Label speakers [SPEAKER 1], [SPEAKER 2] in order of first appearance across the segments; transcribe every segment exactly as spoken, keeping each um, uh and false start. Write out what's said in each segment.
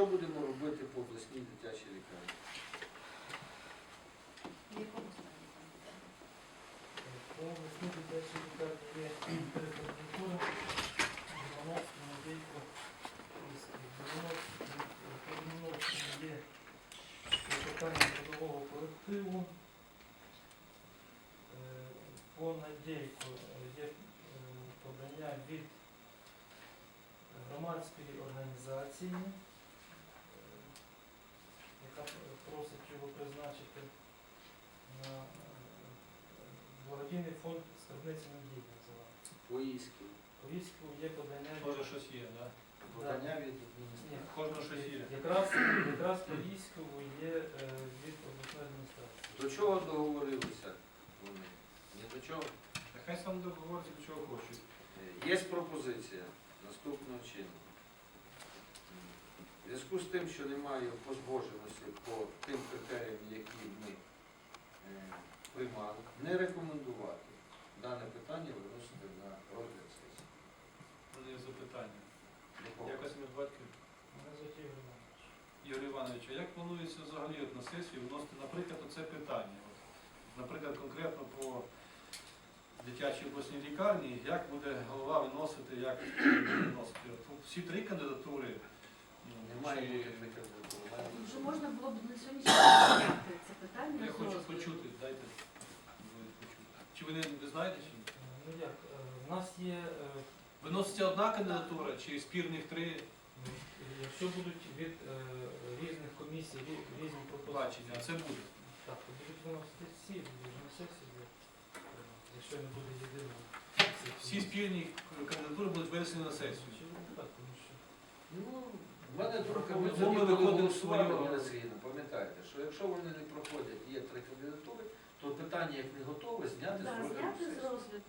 [SPEAKER 1] що будемо робити по обласній дитячій лікарні?
[SPEAKER 2] В якому стані?
[SPEAKER 3] По обласній дитячій лікарні є переконатура, Романовська, Надійко, Романовська, є питання трудового колективу. По Надійку є подання від громадської організації, яка просить його призначити на благодійний фонд «Скарбниця надії» називається.
[SPEAKER 1] По Іську.
[SPEAKER 3] По Іську є подання від...
[SPEAKER 4] Може щось є, так?
[SPEAKER 1] Подання від
[SPEAKER 3] Ні,
[SPEAKER 1] адміністрації.
[SPEAKER 4] Кожного щось є.
[SPEAKER 3] Якраз, якраз по Іськову є е, від обласної адміністрації.
[SPEAKER 1] До чого договорилися вони? Ні до чого.
[SPEAKER 4] Нехай сам договориться, до чого хочуть.
[SPEAKER 1] Е, Є пропозиція наступного чину. В зв'язку з тим, що немає позбоженості по тим критеріям, які ми е, приймали, не рекомендувати дане питання виносити на розгляд сесії.
[SPEAKER 4] У мене є запитання.
[SPEAKER 1] Якого?
[SPEAKER 4] Якось ми батьків.
[SPEAKER 3] Мене звуть Ігор Іванович.
[SPEAKER 4] Ігор Іванович, а як планується взагалі от на сесію вносити, наприклад, оце питання? От, наприклад, конкретно по дитячій обласній лікарні, як буде голова виносити, як виносити? От, всі три кандидатури. ну,
[SPEAKER 1] Немає
[SPEAKER 4] чи-
[SPEAKER 1] бути при кандидатурі. має бути.
[SPEAKER 2] Вже можна було б на сьогоднішній день зняти це питання.
[SPEAKER 4] Я
[SPEAKER 2] з
[SPEAKER 4] хочу
[SPEAKER 2] розгляду.
[SPEAKER 4] почути, дайте ви почути. Чи ви не, не знаєте? Чи? ні?
[SPEAKER 3] Е, Ну як, е, в нас є, е,
[SPEAKER 4] Виноситься одна кандидатура чи спірних три
[SPEAKER 3] ну, якщо будуть від е, різних комісій, рі- різні пропозиції,
[SPEAKER 4] бачення? Це буде.
[SPEAKER 3] так, то будуть виносити всі, будуть на сесії, е, якщо не буде єдиного.
[SPEAKER 4] Всі спільні кандидатури будуть винесені на сесію.
[SPEAKER 3] Так, тому що
[SPEAKER 1] Ну, в мене думка, ми
[SPEAKER 4] Ну,
[SPEAKER 1] тоді
[SPEAKER 4] ми
[SPEAKER 1] коли
[SPEAKER 4] виходимо
[SPEAKER 1] голосували,
[SPEAKER 4] свою-
[SPEAKER 1] Олена Сергіївна, пам'ятаєте, що якщо вони не проходять, є три кандидатури, то питання, як не готове, зняти з
[SPEAKER 2] Так,
[SPEAKER 1] розгляду
[SPEAKER 2] зняти з
[SPEAKER 1] сесії.
[SPEAKER 2] розгляду.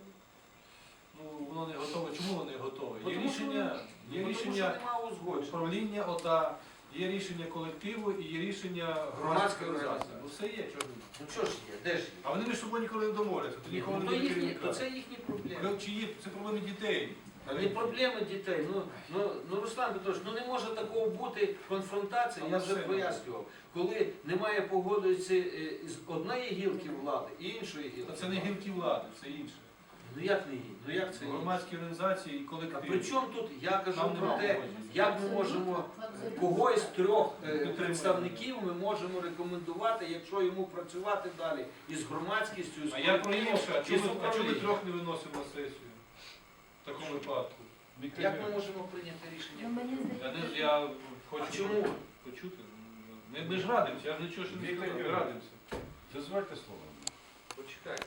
[SPEAKER 4] Ну, воно не готове. Чому воно не готове? Є
[SPEAKER 1] Тому що
[SPEAKER 4] рішення,
[SPEAKER 1] Ну,
[SPEAKER 4] є
[SPEAKER 1] тому що
[SPEAKER 4] рішення
[SPEAKER 1] немає узгодження.
[SPEAKER 4] управління ОДА, є рішення колективу і є рішення
[SPEAKER 1] Громадської
[SPEAKER 4] громадської організації.
[SPEAKER 1] організації.
[SPEAKER 4] Ну все є, чого ні.
[SPEAKER 1] Ну що ж є, де ж є?
[SPEAKER 4] А вони між собою ніколи не домовляться, то ніколи
[SPEAKER 1] Ну,
[SPEAKER 4] не
[SPEAKER 1] то,
[SPEAKER 4] буде
[SPEAKER 1] їхні,
[SPEAKER 4] керівника.
[SPEAKER 1] то це їхні проблеми.
[SPEAKER 4] Ви- Чи є це проблеми дітей?
[SPEAKER 1] А не проблеми дітей. Ну, ну, ну Руслан Петрович, ну не може такого бути конфронтації, я
[SPEAKER 4] Але
[SPEAKER 1] вже
[SPEAKER 4] все
[SPEAKER 1] пояснював, коли немає погодитися з однієї гілки влади і іншої гілки.
[SPEAKER 4] Та це не гілки влади, це інше.
[SPEAKER 1] Ну як не її? Ну як це інше?
[SPEAKER 4] Громадські організації і
[SPEAKER 1] А
[SPEAKER 4] колектив.
[SPEAKER 1] при чому тут, я кажу
[SPEAKER 4] Там
[SPEAKER 1] про
[SPEAKER 4] немає
[SPEAKER 1] те,
[SPEAKER 4] погодження.
[SPEAKER 1] як ми можемо
[SPEAKER 2] Абсолютно.
[SPEAKER 1] когось з трьох е,
[SPEAKER 4] Підтримуємо.
[SPEAKER 1] представників ми можемо рекомендувати, якщо йому працювати далі із громадськістю, із
[SPEAKER 4] А я про
[SPEAKER 1] колективом,
[SPEAKER 4] інше, а
[SPEAKER 1] із
[SPEAKER 4] чому а чому ми
[SPEAKER 1] управлінням.
[SPEAKER 4] трьох не виносимо на сесію? В такому випадку.
[SPEAKER 1] Як ми можемо прийняти
[SPEAKER 2] Ну,
[SPEAKER 1] рішення?
[SPEAKER 2] мені
[SPEAKER 4] Я, не,
[SPEAKER 2] здається,
[SPEAKER 4] я хочу
[SPEAKER 1] А чому?
[SPEAKER 4] почути. Ми, ми ж радимося, я ж нічого ще не
[SPEAKER 5] Віктор
[SPEAKER 4] сказав, ми
[SPEAKER 5] Юрійович.
[SPEAKER 4] радимося.
[SPEAKER 5] Дозвольте слово.
[SPEAKER 1] Почекай.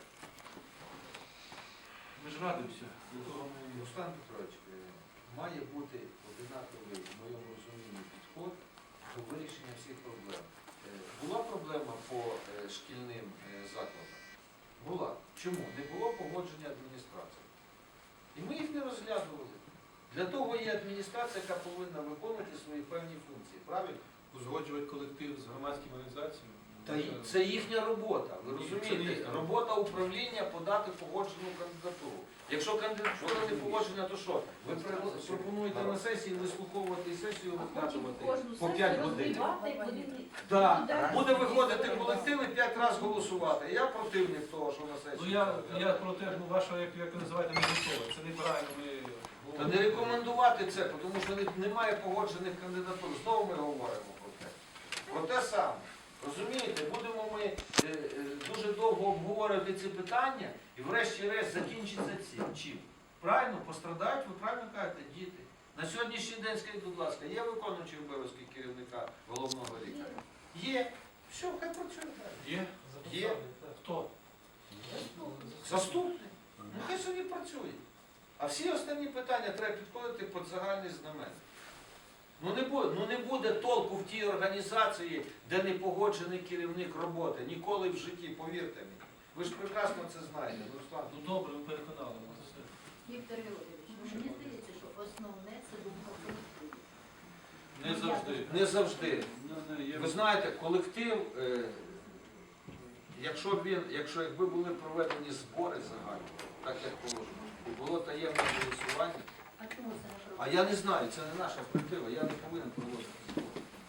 [SPEAKER 4] Ми ж радимося. До того ми-
[SPEAKER 1] Руслан Петрович, е, має бути одинаковий, в моєму розумінні, підход до вирішення всіх проблем. Е, Була проблема по е, шкільним е, закладам? Була. Чому? Не було погодження адміністрації. І ми їх не розглядували. Для того є адміністрація, яка повинна виконувати свої певні функції. Правильно?
[SPEAKER 4] Узгоджувати колектив з громадськими організаціями.
[SPEAKER 1] Та й це їхня робота. Ви
[SPEAKER 4] Ні, це не
[SPEAKER 1] розумієте?
[SPEAKER 4] їхня.
[SPEAKER 1] Робота управління подати погоджену кандидатуру. Якщо кандидатура не погоджена, то що? Ви при- пропонуєте на сесії вислуховувати сесію,
[SPEAKER 2] а потім
[SPEAKER 1] розглядувати
[SPEAKER 2] кожну
[SPEAKER 1] по
[SPEAKER 2] сесію
[SPEAKER 1] п'ять годин.
[SPEAKER 2] розбивати, і вони
[SPEAKER 1] Так,
[SPEAKER 2] туди
[SPEAKER 1] буде
[SPEAKER 2] всі
[SPEAKER 1] виходити
[SPEAKER 2] сторони.
[SPEAKER 1] колектив і п'ять разів голосувати. Я противник того, що на сесії.
[SPEAKER 4] Ну я, я про те, ну ваша, як, як ви називаєте, не готова. Це неправильно. Ми
[SPEAKER 1] Та не рекомендувати це, тому що не- немає погоджених кандидатур. Знову ми говоримо про те. Про те саме. Розумієте, будемо ми е, е, дуже довго обговорювати ці питання і врешті-решт закінчиться цим. Чим? Правильно, пострадають, ви правильно кажете, діти. На сьогоднішній день, скажіть, будь ласка, є виконуючий обов'язки керівника головного лікаря? Є. Все, хай працює далі.
[SPEAKER 4] є?
[SPEAKER 1] Є.
[SPEAKER 3] записали, так.
[SPEAKER 4] Хто?
[SPEAKER 1] Заступник. Ну хай собі працює. А всі останні питання треба підходити під загальний знамен. Ну не буде, ну не буде толку в тій організації, де не погоджений керівник роботи. Ніколи в житті, повірте мені. Ви ж прекрасно це знаєте, Руслан.
[SPEAKER 4] Ну добре, ви переконали мене. Все.
[SPEAKER 2] Віктор Георгійович, ну, мені здається, що основне це думка колективу.
[SPEAKER 4] Не завжди.
[SPEAKER 1] Не завжди.
[SPEAKER 4] Ну, не, є-
[SPEAKER 1] Ви знаєте, колектив, е, якщо б він, якщо якби були проведені збори загальні, так як положено, і було таємне голосування,
[SPEAKER 2] А чому це не
[SPEAKER 1] а я не знаю, це не наша колектива, я не повинен проводити збори.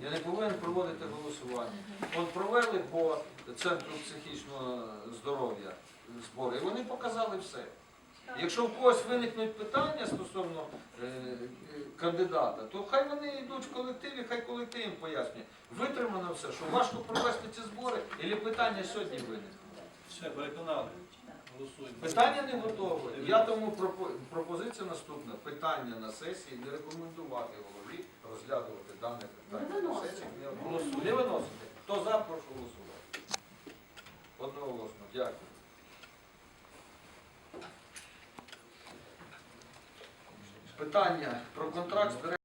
[SPEAKER 1] Я не повинен проводити голосування. От провели по центру психічного здоров'я збори, і вони показали все. Якщо в когось виникнуть питання стосовно е, е, кандидата, то хай вони йдуть в колективі, хай колектив їм пояснює. Витримано все, що важко провести ці збори, і питання сьогодні виникло.
[SPEAKER 4] Все, переконали. Голосуємо.
[SPEAKER 1] Питання не готове. Я тому пропо- пропозиція наступна. Питання на сесії не рекомендувати голові розглядувати дане питання. На сесії не голосуємо. Не виносити. Хто за, прошу голосувати. Одноголосно. Дякую. Питання про контракт з директором.